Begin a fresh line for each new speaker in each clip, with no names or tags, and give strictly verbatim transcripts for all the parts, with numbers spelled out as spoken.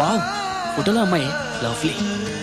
Wow, ఫోటోలో అమ్మాయి lovely.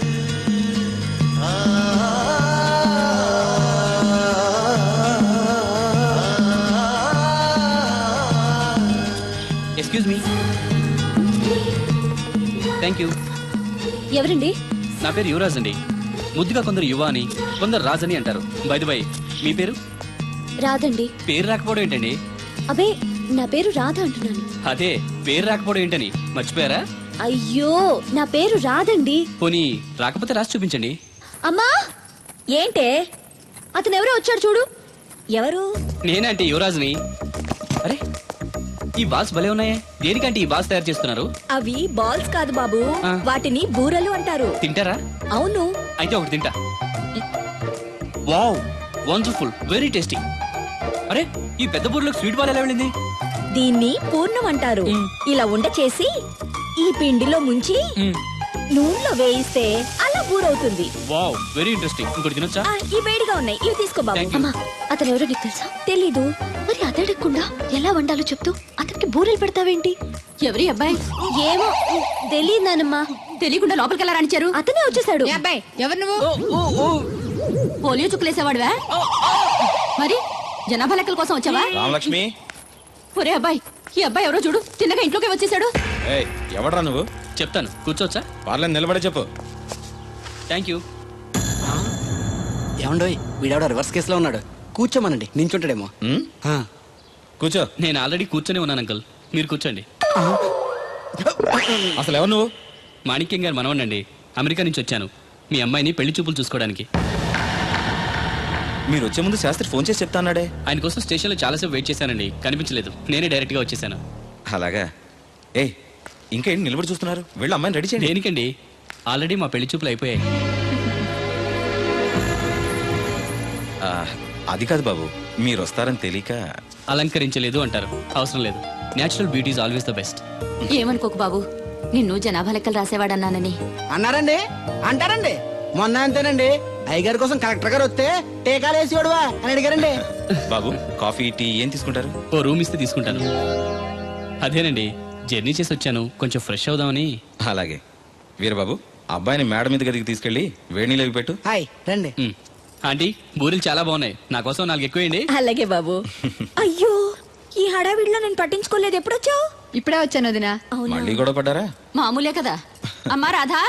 Excuse me. Thank you.
ఎవరండి?
నా పేరు యువరాజ్ అండి. ముద్దుగా కొందరు యువ అని, కొందరు రాజ్ అని అంటారు. బై ది బై, మీ పేరు?
రాదండి.
పేరు రాకపోవడం ఏంటండి?
అబే, నా పేరు రాధ అంటున్నాను.
అదే, పేరు రాకపోవడం ఏంటని మర్చిపోయారా?
అయ్యో, నా పేరు రాదండి.
పోనీ రాకపోతే రాసి చూపించండి.
అమ్మా, ఏంటే? అతను ఎవరో వచ్చాడు చూడు. ఎవరు?
నేనంటే యువరాజ్ని. అరే, ఈ బాల్స్ భలే ఉన్నాయే. దేనికంటే ఈ బాల్స్ తయారు చేస్తున్నారు?
అవి బాల్స్ కాదు బాబు,
ఆ.
వాటిని బూరలు అంటారు.
తింటారా?
అవును.
అయితే ఒకటి తింటా. Wow, wonderful, very tasty. అరే, ఈ పెద్ద బూర్లకు స్వీట్ బాల్ ఎలా వెళ్ళింది?
దీన్ని పూర్ణం అంటారు. ఇలా ఉండ చేసి ఈ పిండిలో ముంచి నూనెలో వేయిస్తే అలా బూరవుతుంది.
Wow, very interesting. ఇంకోటి తినొచ్చా?
ఆ, ఈ వేడిగా ఉన్నాయి, ఇవి తీసుకో బాబు.
Thank you.
అమ్మా, అతను ఎవరో నీకు తెలుసా?
తెలీదు.
మరి అదడగకుండా ఎలా వండాలో చెప్తూ అతనికి బూరెలు పెడతావేంటి?
ఎవరి అబ్బాయి?
ఏమో తెలియదు నానమ్మా.
తెలియకుండా లోపలికి ఎలా రాణించారు?
అతనే వచ్చేసాడు.
ఏ అబ్బాయి, ఎవరు నువ్వు? పోలియో చుక్కులేసేవాడువా? మరి జనాభా లెక్కల కోసం వచ్చావా?
రామలక్ష్మి,
ఒరే అబ్బాయి, ఈ అబ్బాయి ఎవరో చూడు, తిన్నగా ఇంట్లోకి వచ్చేసాడు.
ఏయ్, ఎవడ్రా నువ్వు?
చెప్తాను, కూర్చోవచ్చా?
వాళ్ళని నిలబడే చెప్పు.
Thank you.
ఏమండోయ్, వీడెవడో రివర్స్ కేసులో ఉన్నాడు. కూర్చోమనండి, నించుంటాడేమో.
ఉమ్,
ఆ.
కూర్చో.
నేను ఆల్రెడీ కూర్చొని ఉన్నాను అంకుల్, మీరు కూర్చోండి.
అసలు ఎవరు నువ్వు?
మాణిక్యం గారు మనవనండి. అమెరికా నుంచి వచ్చాను మీ అమ్మాయిని పెళ్లి చూపులు చూసుకోవడానికి.
మీరు వచ్చే ముందు శాస్త్రి ఫోన్ చేసి చెప్తా అన్నాడే.
ఆయన కోసం స్టేషన్లో చాలాసేపు వెయిట్ చేశానండి, కనిపించలేదు. నేనే డైరెక్ట్గా వచ్చేసాను.
అలాగా? ఏ, ఇంకా ఏంటి నిలబడి చూస్తున్నారు? వెళ్ళి అమ్మాయిని రెడీ చేయండి.
దేనికండి? ఆల్రెడీ మా పెళ్లి చూపులు అయిపోయాయి.
ఆ, అది కాదు బాబు, మీరు వస్తారని తెలియక.
అలంకరించలేదు అంటారు, అవసరం లేదు. Natural beauty is always the best.
ఏమనుకోకు బాబు, నిన్ను జనాభా లెక్కలు రాసేవాడన్నానని.
అన్నారండి, అంటారండి. మొన్న అంతేనండి, అయ్యగారి కోసం కలెక్టర్ గారు వస్తే టీకాలు వేసి వాడువా అని అడిగారండి.
బాబు, కాఫీ టీ ఏం తీసుకుంటారు?
ఓ రూమ్ ఇస్తే తీసుకుంటాను. అదేనండి, జర్నీ చేసి వచ్చాను, కొంచెం ఫ్రెష్ అవుదామని.
అలాగే. వీరబాబు, అబ్బాయిని మేడ మీద గదికి తీసుకెళ్లి వేడి నీళ్ళు అవి పెట్టు.
హాయ్ రండి.
మ్. ఆంటీ, బూరెలు చాలా బాగున్నాయి, నా కోసం నాలుగు ఎక్కువేయండి.
అలాగే బాబు. అయ్యో, ఈ హడావిడిలో నేను పట్టించుకోలేదు. ఎప్పుడొచ్చావు?
ఇప్పుడే వచ్చాను వదినా.
మళ్ళీ గొడవ పడ్డారా?
మామూలే కదా. అమ్మా రాధా,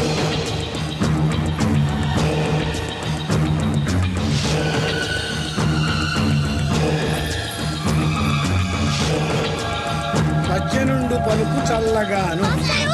సజ్జనుండు పలుకు చల్లగాను.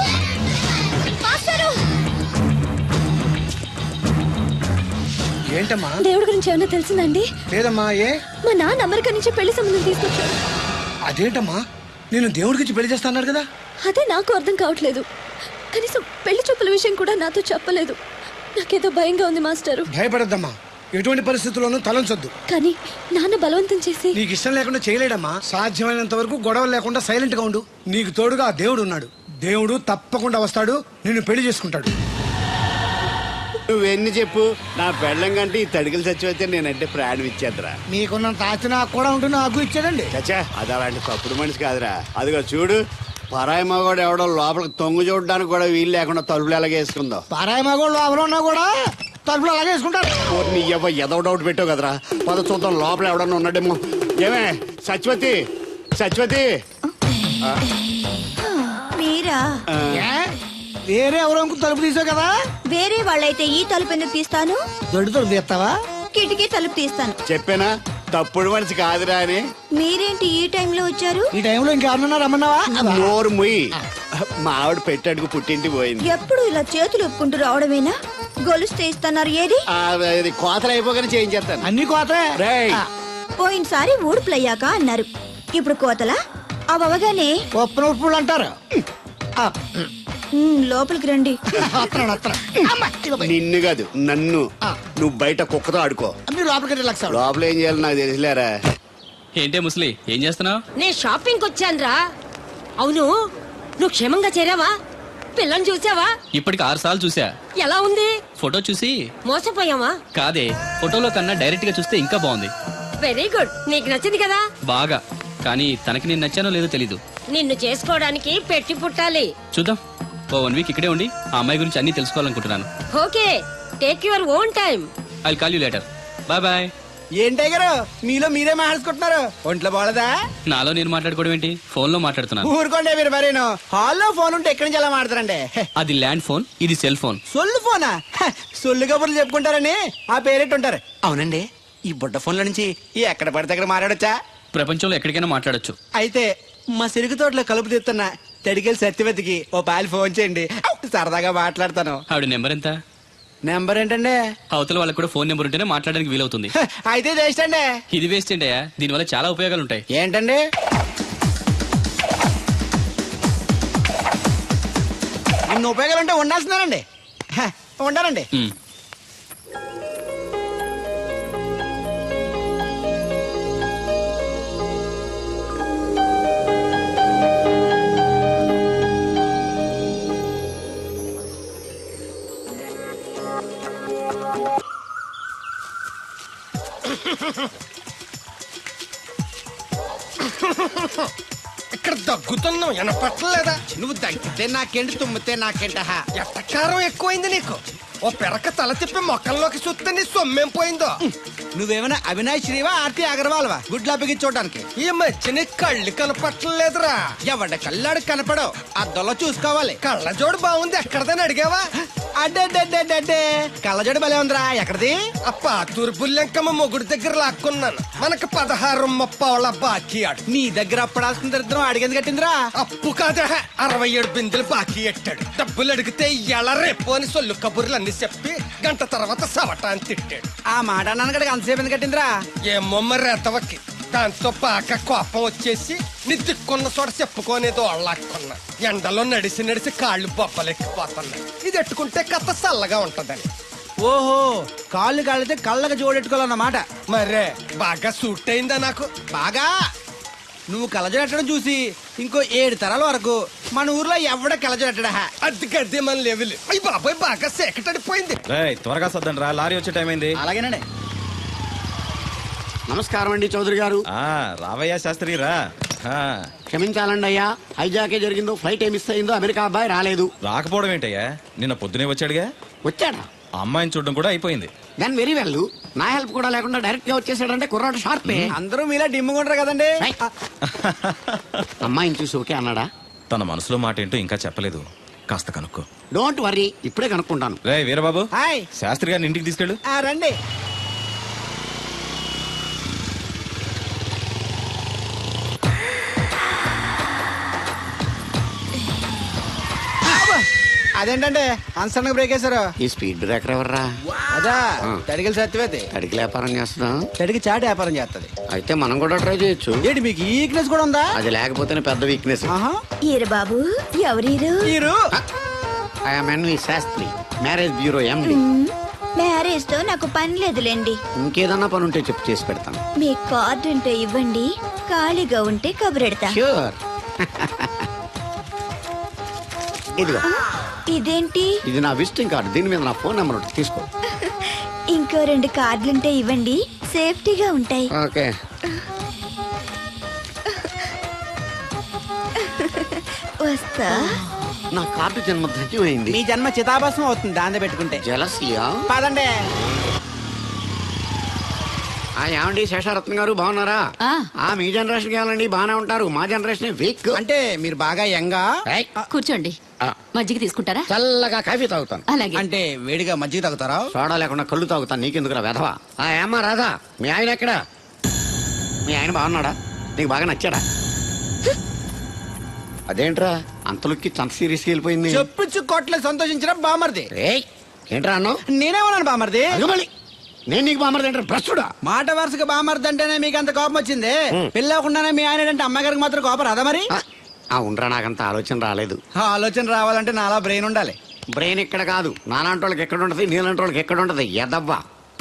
ఏంటమ్మా?
దేవుడి గురించి ఏమైనా తెలిసిందండి?
లేదమ్మా. ఏ?
మా నాన్న అమెరికా నుంచి పెళ్లి సంబంధం తీసుకొచ్చాడు.
అదేంటమ్మా, నేను దేవుడికి పెళ్లి చేస్తాను కదా.
అదే నాకు అర్థం కావట్లేదు. కనీసం పెళ్లి చూపుల విషయం కూడా నాతో చెప్పలేదు. నాకేదో భయంగా ఉంది మాస్టరు.
భయపడద్దమ్మా, ఎటువంటి పరిస్థితుల్లోనూ తలంచొద్దు.
కానీ నాన్న బలవంతం చేసి.
నీకు ఇష్టం లేకుండా చేయలేడమ్మా. సాధ్యమైనంత వరకు గొడవలు లేకుండా సైలెంట్ గా ఉండు. నీకు తోడుగా ఆ దేవుడు ఉన్నాడు. దేవుడు తప్పకుండా వస్తాడు, నిన్ను పెళ్లి చేసుకుంటాడు.
నువ్వెన్ని చెప్పు, నా పెళ్ళం కంటే ఈ తడికలు చచ్చిపోతే నేనంటే ప్రాణం ఇచ్చేద్దరా.
మీకున్నంత ఆస్తి నాకు కూడా ఉంటుంది, నాకు ఇచ్చాడండి.
చచ్చా, అది అలాంటి తప్పుడు మనిషి కాదురా. అదిగో చూడు, పరాయి మగోడు ఎవడో లోపలికి తొంగు చూడడానికి కూడా వీలు లేకుండా తలుపులు ఎలాగేసుకుందో.
పారాయి మగోళ్ళు ఎవరు ఉన్నా కూడా తలుపులు అలాగే వేసుకుంటారు.
నీ ఎవ ఎదవ డౌట్ పెట్టావు కదరా. పద చూద్దాం లోపల ఎవడన్నా ఉన్నాడేమో. ఏమే సత్యవతి, సత్యవతి.
మీరా?
వేరే ఎవరో తలుపు తీసావు కదా.
వేరే వాళ్ళైతే ఈ తలుపు ఎందుకు తీస్తాను?
దొడ్డు తలుపు తీస్తావా?
కిటికీ తలుపు తీస్తాను.
చెప్పానా తప్పుడు మనిషి కాదురా అని.
మీరేంటి ఈ టైంలో వచ్చారు?
ఈ టైంలో ఇంకెవరన్నా రమ్మన్నావా?
నోరు ముయ్యి. మా ఆవిడ పెట్టడుకు పుట్టింటి పోయింది.
ఎప్పుడు ఇలా చేతులు ఒప్పుకుంటూ రావడమేనా? గొలుస్తే ఇస్తున్నారు, ఏది?
ఆ, అది కోతలు అయిపోగానే చేయించేస్తాను.
అన్ని కోతే.
రేయ్,
పోయినసారి ఊడుపులయ్యాక అన్నారు, ఇప్పుడు కోతలా? అవగానే
ఒప్పన ఉప్పులు అంటారు.
లోపలికి రండి.
నిన్ను కాదు నన్ను. నువ్వు బయట కుక్కతో ఆడుకో.
మీరు లోపలికి రిలాక్స్ అవ్వండి.
లోపల ఏం చేయాలి నాకు తెలిసిలేరా.
ఏంటే ముసలి, ఏం చేస్తున్నావు?
నేను షాపింగ్ వచ్చాను రా. అవును, నువ్వు క్షేమంగా చేరావా? పిల్లని చూసావా?
ఇప్పటికి ఆరు సార్లు చూసా.
ఎలా ఉంది?
ఫోటో చూసి
మోసపోయావా?
కాదే, ఫోటోలో కన్నా డైరెక్ట్ గా చూస్తే ఇంకా బాగుంది.
వెరీ గుడ్, నీకు నచ్చింది కదా?
బాగా. కానీ తనకి నేను నచ్చానో లేదో తెలీదు.
నిన్ను చేసుకోవడానికి పెట్టి పుట్టాలి.
చూద్దాం. ఓ వన్ వీక్ ఇక్కడే ఉండి ఆ అమ్మాయి గురించి అన్ని తెలుసుకోవాలనుకుంటున్నాను.
Okay, take your own time.
I call you later. Bye bye.
ఏంటి గారు మీలో మీరే మాట్లాడుకుంటున్నారు? ఒంట్లో బాగలదా?
నాలో నేను మాట్లాడుకోవడం ఏంటి, ఫోన్ లో మాట్లాడుతున్నాను.
ఊరుకోండి మీరు మరేను. హాల్లో ఫోన్ ఉంటే ఎక్కడి నుంచి ఎలా మాట్లాడతారండి? హె,
అది ల్యాండ్ ఫోన్, ఇది సెల్ ఫోన్.
సొల్లు ఫోనా? హె, సొల్లు కబుర్లు చెప్పుకుంటారని ఆ పేరెట్టు ఉంటారు. అవునండి, ఈ బుడ్డ ఫోన్ల నుంచి ఎక్కడ పడితే అక్కడ మాట్లాడొచ్చా?
ప్రపంచంలో ఎక్కడికైనా మాట్లాడొచ్చు.
అయితే మా సిరుగు తోటలో కలుపు తీస్తున్న తడికెళ్ళి సత్యవతికి ఓ పాలు ఫోన్ చేయండి, సరదాగా మాట్లాడతాను.
ఆవిడ నెంబర్ ఎంత?
నెంబర్ ఏంటండి?
అవతల వాళ్ళకి కూడా ఫోన్ నెంబర్ ఉంటేనే మాట్లాడడానికి వీలవుతుంది.
హ, అయితే వేస్ట్ అండి.
ఇది వేస్ట్ ఏంటయ్యా, దీనివల్ల చాలా ఉపయోగాలు ఉంటాయి.
ఏంటండి? ఇన్ని ఉపయోగాలు ఉంటే ఉండాల్సిందేనండి. హ, ఉండాలండి.
ఉమ్.
ఇక్కడ దగ్గుతున్నావు వినపట్టలేదా?
నువ్వు తగ్గితే నాకేంటి, తుమ్మితే నాకేంట?
ఎట్టకారం ఎక్కువైంది నీకు. ఓ పెరక తల తిప్పి మొక్కల్లోకి చూస్తే నీ సొమ్మేం పోయిందో.
నువ్వేమైనా అవినాష్ శ్రీవా, ఆర్తి అగర్వాల్వా గుడ్లా బిగించోడానికి?
ఈ మధ్య నీ కళ్ళు కనపట్టలేదురా.
ఎవడ కళ్ళాడు కనపడవు, అద్దంలో చూసుకోవాలి.
కళ్ళజోడు బాగుంది, ఎక్కడదని అడిగావా?
అడ్డే కళ్ళజోడు భలే ఉందిరా. ఎక్కడిది?
అప్ప తూర్పుల్లెంకమ్మ మొగుడు దగ్గర లాక్కున్నాను. మనకు పదహారు ముప్పావుల బాకీ ఆడు.
నీ దగ్గర అప్పడాల్సిన దరిద్రం అడిగింది కట్టిందిరా.
అప్పు కాదా, అరవై ఏడు బిందెలు బాకీ ఎట్టాడు. డబ్బులు అడిగితే ఎల రేపు అని సొల్లు కబుర్లు అన్ని చెప్పి గంట తర్వాత సవటాన్ని తిట్టాడు.
ఆ మాట అన్నాను అంతసేపు ఎందుకు కట్టిందిరా?
ఏమో మరి ఎతవకి. దాంతో బాగా కోపం వచ్చేసి నీ దిక్కున్న చోట చెప్పుకోనేదో అళ్ళాక్కున్నా. ఎండలో నడిసి నడిసి కాళ్ళు బొబ్బలెక్కిపోతున్నాయి. ఇది ఎట్టుకుంటే కథ చల్లగా ఉంటదని.
ఓహో, కాళ్ళు కాళ్ళైతే కళ్ళకు జోడెట్టుకోవాలన్నమాట.
మరే బాగా సూట్ అయిందా నాకు?
బాగా. నువ్వు కళ్ళజోడెట్టడం చూసి ఇంకో ఏడు తరాల వరకు మన ఊర్లో ఎవడ కళ్ళజోడెట్టడా?
అది గడ్డి మన లెవెల్. అయ్యి బాబాయ్ బాగా సేకటడిపోయింది.
రేయ్, త్వరగా సర్దండి రా, లారీ వచ్చే టైం అయింది.
అలాగేనండి.
నమస్కారం అండి చౌదరి గారు.
ఆ, రావయ్యా శాస్త్రి రా. ఆ,
క్షమించాలండి అయ్యా, హైజాకే జరిగిందో, ఫ్లైట్ ఏ మిస్ అయిందో, అమెరికా అబ్బాయి రాలేదు.
రాకపోవడం ఏంటయ్యా, నిన్న పొద్దునే వచ్చాడుగా.
వచ్చాడా?
ఆ అమ్మాయిని చూడడం కూడా అయిపోయింది.
దాని వెరీ వెల్. నా హెల్ప్ కూడా లేకుండా డైరెక్ట్ గా వచ్చేసాడంటే కుర్రాడు షార్పే.
అందరూ మీలా డిమ్ముకుంటారు కదండి.
రైట్. అమ్మాయిని చూసి ఓకే అన్నాడా?
తన మనసులో మాట ఏంటో ఇంకా చెప్పలేదు, కాస్త కనుక్కో.
డోంట్ వరీ, ఇప్పుడే కనుక్కుంటాను.
రే వీరబాబు,
హాయ్.
శాస్త్రి గారిని ఇంటికి తీసుకెళ్ళు.
ఆ, రండి. అదేంటంటే అన్సడన్ బ్రేక్ వేశారు?
ఈ స్పీడ్ బ్రేకర్ ఎవర్రా?
అదా
ఆ.
తడిగిలి సత్యవేతి.
తడికి వ్యాపారం చేస్తున్నా.
తడికి చాటి వ్యాపారం చేస్తది.
అయితే మనం కూడా ట్రై చేయొచ్చు.
ఏంటి మీకు ఈ వీక్నెస్ కూడా ఉందా?
అది లేకపోతేనే పెద్ద వీక్నెస్.
ఆహా.
ఈరు బాబు, ఎవరీరు?
మీరు
I'm NV Sastri, marriage bureau MD.
Marriage తో నాకు పని లేదులేండి.
ఇంకేదన్నా పని ఉంటే చెప్పు, చేసి పెడతాను.
మీ కార్డు ఉంటే ఇవ్వండి, ఖాళీగా ఉంటే కబురెడతా.
ష్యూర్. ఇదిగో,
ఇదేంటి?
ఇది నా విజిటింగ్ కార్డు. దీని మీద నా ఫోన్ నెంబర్ ఉంటుంది, తీసుకో.
ఇంకో రెండు కార్డులుంటే ఇవ్వండి, సేఫ్టీగా ఉంటాయి.
ఓకే.
వస్తా.
నా కార్డు జన్మ ధన్యమైంది.
మీ జన్మ చితాభాసం అవుతుంది దాన్ని పెట్టుకుంటే.
జలసియా?
పదండి.
ఆ ఏమండి శేషారత్న గారు బాగున్నారా?
ఆ.
ఆ మీ జనరేషన్ కావాలండి, బాగానే ఉంటారు. మా జనరేషన్ వీక్.
అంటే మీరు బాగా యంగా?
ఏయ్,
కూర్చోండి.
ఆ,
మజ్జిగ తీసుకుంటారా?
చల్లగా కాఫీ తాగుతాను.
అలాగే.
అంటే వేడిగా మజ్జిగ తాగుతారా?
సోడా లేకుండా కళ్ళు తాగుతాను. నీకెందుకురా వెధవా? ఆ ఏమ్మా రాధా, మీ ఆయన ఎక్కడా? మీ ఆయన బాగున్నాడా? నీకు బాగా నచ్చాడా? అదేంట్రా అంతలోకి చంత సీరియస్కి వెళ్ళిపోయింది?
చెప్పుచ్చు కొట్లే సంతోషించిన బామర్ది.
ఏయ్, ఏంట్రా అన్నావు?
నేనేమన్నాను బామర్ది?
అదిగో మళ్ళీ నేను నీకు బామర్ది ఏంట్రా భ్రష్టుడా?
మాట వరుసగా బామర్ది అంటేనే మీకు అంత కోపం వచ్చింది. పెళ్ళకుండానే మీ ఆయన అంటే అమ్మగారికి మాత్రం కోపం రాదా మరి?
ఆ, ఆ ఉండరా, నాకంత ఆలోచన రాలేదు.
ఆ ఆలోచన రావాలంటే నాలా బ్రెయిన్ ఉండాలి.
బ్రెయిన్ ఇక్కడ కాదు, నాలాంటి వాళ్ళకి ఎక్కడ ఉంటది, నీలాంటి వాళ్ళకి ఎక్కడ ఉంటది ఎదవ్వా.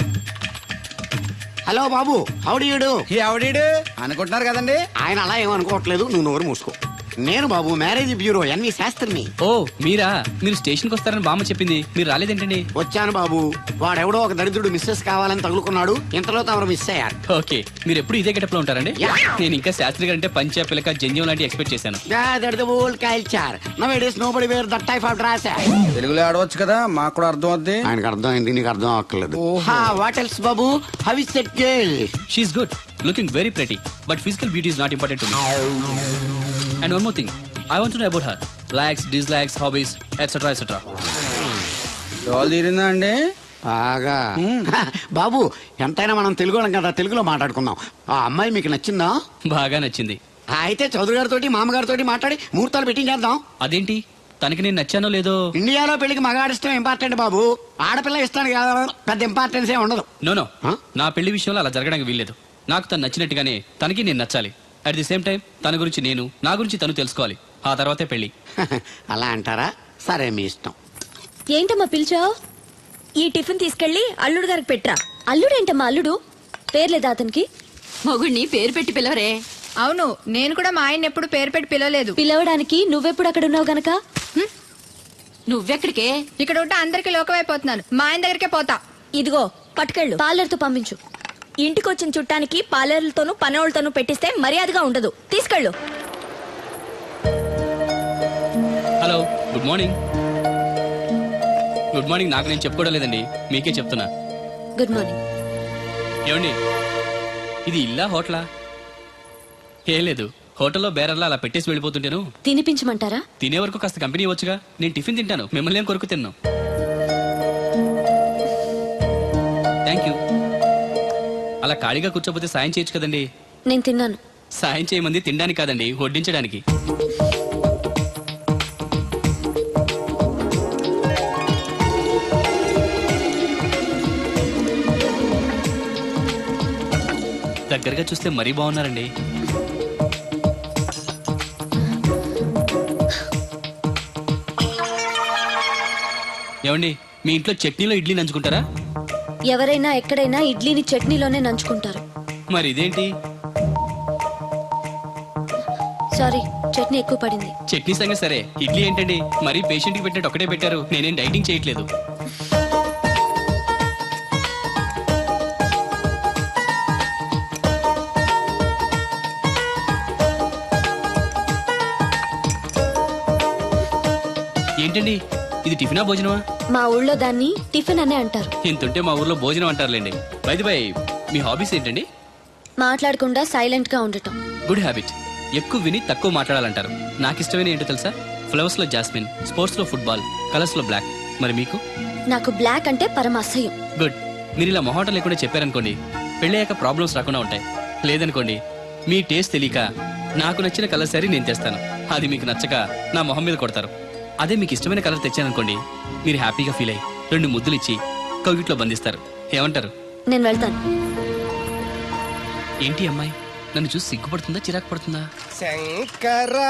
హలో బాబు, హౌడీయుడు.
ఎవడీడు అనుకుంటున్నారు కదండి.
ఆయన అలా ఏమనుకోవట్లేదు, నువ్వు నోరు మూసుకో. నేను బాబు మ్యారేజ్ బ్యూరో ఎన్వి శాస్త్రిని.
ఓ మీరా? మీరు స్టేషన్కి వస్తారని బామ్మ చెప్పింది, మీరు రాలేదేంటండి?
వచ్చాను బాబు. వాడెవడో ఒక దరిద్రుడు మిస్సెస్ కావాలని తగులుకున్నాడు. ఇంతలో తమరు మిస్ అయ్యారు.
ఓకే, మీరు ఎప్పుడు ఇదే గెటప్ లో ఉంటారండి?
యా.
నేను ఇంకా శాస్త్రి గారు అంటే పంచ పిలక జంజం లాంటి ఎక్స్పెక్ట్ చేశాను.
Old culture now nobody wear that type of dress.
తెలుగులో ఆడవచ్చు కదా, మాకు కూడా అర్థం అవుద్ది.
ఆయనకు అర్థమైంది, నీకు అర్థం అక్కర్లేదు. వాట్ ఎల్స్ బాబు? How is that girl?
She is good, looking very pretty, but physical beauty is not important to me. And one more thing, I want to know about her likes, dislikes, hobbies etcetera etcetera.
డోల్ తీరిందా అండి?
బాగా. బాబు ఎంతైనా మనం తెలుగు వాళ్ళం కదా, తెలుగులో మాట్లాడుకుందాం. ఆ అమ్మాయి మీకు నచ్చిందా?
బాగా నచ్చింది.
అయితే చౌదరి గారితో మామగారితో మాట్లాడి ముహూర్తాలు పెట్టించేద్దాం.
అదేంటి, తనకి నేను నచ్చానో లేదో?
ఇండియాలో పెళ్లికి మగాడి ఇష్టం ఇంపార్టెంట్ బాబు. ఆడపిల్ల ఇష్టానికి కాదు, పెద్ద ఇంపార్టెన్స్ ఏ ఉండదు.
No no,
Huh?
నా పెళ్లి విషయంలో అలా జరగడానికి వీల్లేదు. నాకు తను నచ్చినట్టుగానే తనకి నేను నచ్చాలి. అట్ ది సేమ్ టైం తన గురించి నేను, నా గురించి తను తెలుసుకోవాలి. ఆ తర్వాతే పెళ్లి.
అలా అంటారా? సరే మీ ఇష్టం.
ఏంటమ్మా పిలిచావు?
ఈ టిఫిన్ తీసుకెళ్లి అల్లుడు గారికి పెట్టరా.
అల్లుడేంటమ్మా అల్లుడు? పేర్లేదా అతనికి?
మొగుడిని పేరు పెట్టి పిలవరే.
అవును, నేను కూడా మా ఆయన ఎప్పుడు పేరు పెట్టి పిలవలేదు.
పిలవడానికి నువ్వెప్పుడు అక్కడ ఉన్నావు గనక.
నువ్వెక్కడికే?
ఇక్కడ ఉంటే అందరికి లోకమైపోతున్నాను. మా ఆయన దగ్గరికే పోతా.
ఇదిగో పట్టుకెళ్ళు.
పార్లర్తో పంపించు.
ఇంటికి వచ్చిన చుట్టానికి పార్లర్లతోనూ పనోళ్ళతోనూ పెట్టిస్తే మర్యాదగా ఉండదు. తీసుకెళ్ళు.
Hello, good morning. Good morning నాకు నేను చెప్పుకోవడం లేదండి, మీకే చెప్తున్నా.
Good morning.
ఏమండి, ఇది ఇల్లా హోటలా? ఏం లేదు, హోటల్లో బేరర్లా అలా పెట్టేసి వెళ్ళిపోతుంటాను.
తినిపించమంటారా?
తినే వరకు కాస్త కంపెనీ ఇవ్వచ్చుగా. నేను టిఫిన్ తింటాను, మిమ్మల్ని ఏం కొరకు తిన్నాను. Thank you. అలా ఖాళీగా కూర్చోపోతే సాయం చేయొచ్చు కదండి.
నేను తిన్నాను.
సాయం చేయమంది తినడానికి కాదండి, వడ్డించడానికి. దగ్గరగా చూస్తే మరీ బాగున్నారండి. ఏమండి, మీ ఇంట్లో చట్నీలో ఇడ్లీ నంచుకుంటారా?
ఎవరైనా ఎక్కడైనా ఇడ్లీని చట్నీలోనే నంచుకుంటారు.
మరి ఇదేంటి?
సారీ, చట్నీ ఎక్కువ పడింది.
చట్నీ సంగతి సరే, ఇడ్లీ ఏంటండి మరీ పేషెంట్కి పెట్టినట్టు ఒకటే పెట్టారు. నేనేం డైటింగ్ చేయట్లేదు. ఏంటండి, ఇది టిఫినా భోజనమా?
మా ఊళ్ళో దాన్ని టిఫిన్ అనే అంటారు.
ఇంతుంటే మా ఊర్లో భోజనం అంటారులేండి. బై బై, మీ హాబీస్ ఏంటండి?
మాట్లాడకుండా సైలెంట్ గా ఉండటం.
Good habit. ఎక్కువ విని తక్కువ మాట్లాడాలంటారు. నాకు ఇష్టమైన ఏంటో తెలుసా? ఫ్లవర్స్ లో జాస్మిన్, స్పోర్ట్స్ లో ఫుట్బాల్, కలర్స్ లో బ్లాక్. మరి మీకు?
నాకు బ్లాక్ అంటే పరమ అసహ్యం.
గుడ్. మీరు ఇలా మొహాటం లేకుండా చెప్పారనుకోండి, పెళ్ళయ్యాక ప్రాబ్లమ్స్ రాకుండా ఉంటాయి. లేదనుకోండి, మీ టేస్ట్ తెలియక నాకు నచ్చిన కలర్ సరే నేను తెస్తాను, అది మీకు నచ్చక నా మొహం మీద కొడతారు. అదే మీకు ఇష్టమైన కలర్ తెచ్చాననుకోండి, మీరు హ్యాపీగా ఫీల్ అయ్యి రెండు ముద్దులు ఇచ్చి కౌగిట్లో బంధిస్తారు. ఏమంటారు?
నేను వెళ్తాను.
ఏంటి అమ్మాయి నన్ను చూసి సిగ్గుపడుతుందా, చిరాకు పడుతుందా?
శంకరా,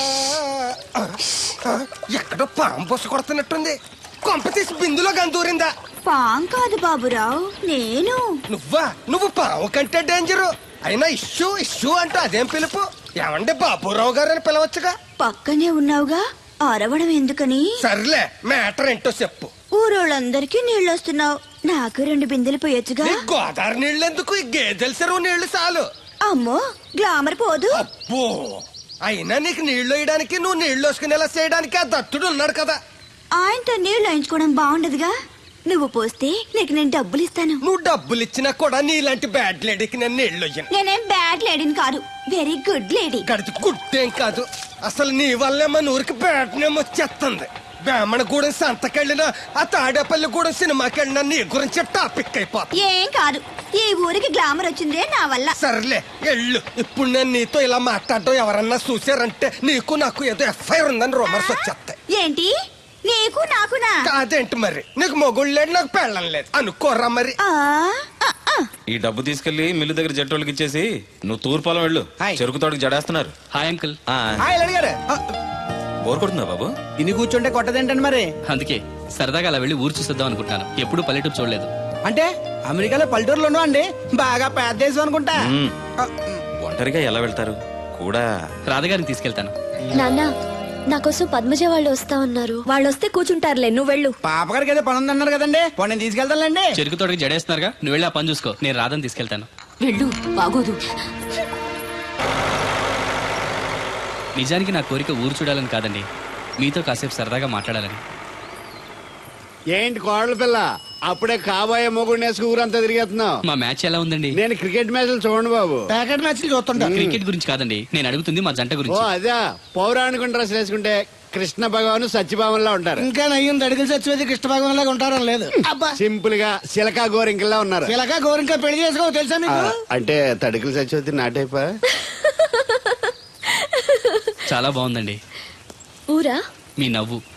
ఎక్కడో పాము బొస్స కొడుతున్నట్టుంది. కొంప తీసి బిందులో గందూరిందా?
పాం కాదు బాబురావు, నేను.
నువ్వా? నువ్వు పాము కంటే డేంజరు. అయినా ఇష్యూ ఇష్యూ అంటూ అదేం పిలుపు? ఏమంటే బాబురావు గారు అని పిలవచ్చుగా.
పక్కనే ఉన్నావుగా, అరవడం ఎందుకని?
సర్లే, మ్యాటర్ ఏంటో చెప్పు.
ఊరోళ్ళందరికీ నీళ్ళు వస్తున్నావు, నాకు రెండు బిందెలు పోయొచ్చుగా.
ఈ గోదావరి నీళ్ళు ఎందుకు? ఈ గేదెల చెరువు నీళ్లు చాలు.
అమ్మో, గ్లామర్ పోదు.
అబ్బో, అయినా నీకు నీళ్లు వేయడానికి, నువ్వు నీళ్లు వేసుకునేలా చేయడానికి ఆ దత్తుడు ఉన్నాడు కదా.
ఆయనతో నీళ్లు వేయించుకోవడం బాగుండదుగా. నువ్వు పోస్తే నీకు నేను డబ్బులు ఇస్తాను.
నువ్వు డబ్బులు ఇచ్చినా కూడా నీలాంటి బ్యాడ్ లేడీకి నేను నీళ్లు ఇయ్యను.
నేనేం బ్యాడ్ లేడీని కాదు, వెరీ గుడ్ లేడీ.
గడిచి గుడ్డేం కాదు. అసలు నీ వల్లే మన ఊరికి బ్యాడ్ నేమ్ వచ్చేస్తుంది. బ్రాహ్మణగూడెం సంతకెళ్ళినా, ఆ తాడేపల్లిగూడెం సినిమాకెళ్ళినా నీ గురించి టాపిక్ అయిపోతుంది.
ఏం కాదు, ఈ ఊరికి గ్లామర్ వచ్చిందే నా వల్ల.
సర్లే ఎళ్ళు. ఇప్పుడు నేను నీతో ఇలా మాట్లాడడం ఎవరన్నా చూసారంటే నీకు నాకు ఏదో ఎఫ్ఐఆర్ ఉందని రూమర్స్ వచ్చేస్తాయి.
ఏంటి? నీకు నాకునా?
కాదేంటి మరి? నీకు మొగుళ్ళు లేదు, నాకు పెళ్ళం లేదు అనుకోరా మరి.
ఆ, ఆ, ఆ.
ఈ డబ్బు తీసుకెళ్లి మిల్లు దగ్గర జట్టోళ్ళకి ఇచ్చేసి నువ్వు తూర్పాలం వెళ్ళు.
హాయ్.
చెరుకు తోటకి జడేస్తున్నారు.
Hi uncle.
ఆ,
హాయ్ అడిగారు.
బోర్ కొడుతుందా బాబు?
తిని కూర్చుంటే కొట్టదేంటండి మరి?
అందుకే సరదాగా అలా వెళ్ళి ఊరు చూసేద్దాం అనుకుంటాను. ఎప్పుడు పల్లెటూరు చూడలేదు.
అంటే అమెరికాలో పల్లెటూరులో అండి బాగా పెద్ద దేశం అనుకుంటా.
మ్మ్. ఒంటరిగా ఎలా వెళ్తారు? కూడా
రాధగారిని తీసుకెళ్తాను.
నాన్న నా కోసం పద్మజ వాళ్ళు వస్తా ఉన్నారు.
వాళ్ళు వస్తే కూర్చుంటారులే, నువ్వు వెళ్ళు.
పాపగారికి ఏదో పని ఉందన్నారు కదండి పోనీ నేను తీసుకెళ్తానులేండి.
చెరుకు తోటకి జడేస్తున్నారుగా, నువ్వు వెళ్ళి ఆ పని చూసుకో. నేను రాధని తీసుకెళ్తాను.
వెళ్ళు, బాగోదు.
నిజానికి నా కోరిక ఊరు చూడాలని కాదండి, మీతో కాసేపు సరదాగా మాట్లాడాలని.
ఏంటి కోడల పిల్ల అప్పుడే కాబోయే మొగుడు వేసుకు ఊరంతా తిరిగేస్తున్నావు.
మా మ్యాచ్ ఎలా ఉందండి?
నేను క్రికెట్ మ్యాచ్లు చూడండి బాబు.
ప్యాకెట్ మ్యాచ్లు చూస్తుంటా.
క్రికెట్ గురించి కాదండి నేను అడుగుతుంది, మా జంట
ఓ
గురించి.
అదే పౌరాణిక డ్రెస్ వేసుకుంటే కృష్ణ భగవాన్ సత్యభావంలా ఉంటారు.
ఇంకా నయ్యం దడిగిలి చచ్చిపోతే కృష్ణ భాగం లాగా ఉంటారని లేదు. అబ్బా
సింపుల్ గా సిలకా గోరింకల్లా ఉన్నారు.
ఇలాగా గోరింకా పెళ్లి చేసుకో తెలుసా
ఆ,
మీకు?
అంటే తడికలు చచ్చిపోతే నాటైపా.
చాలా బాగుందండి
ఊరా?
మీ నవ్వు.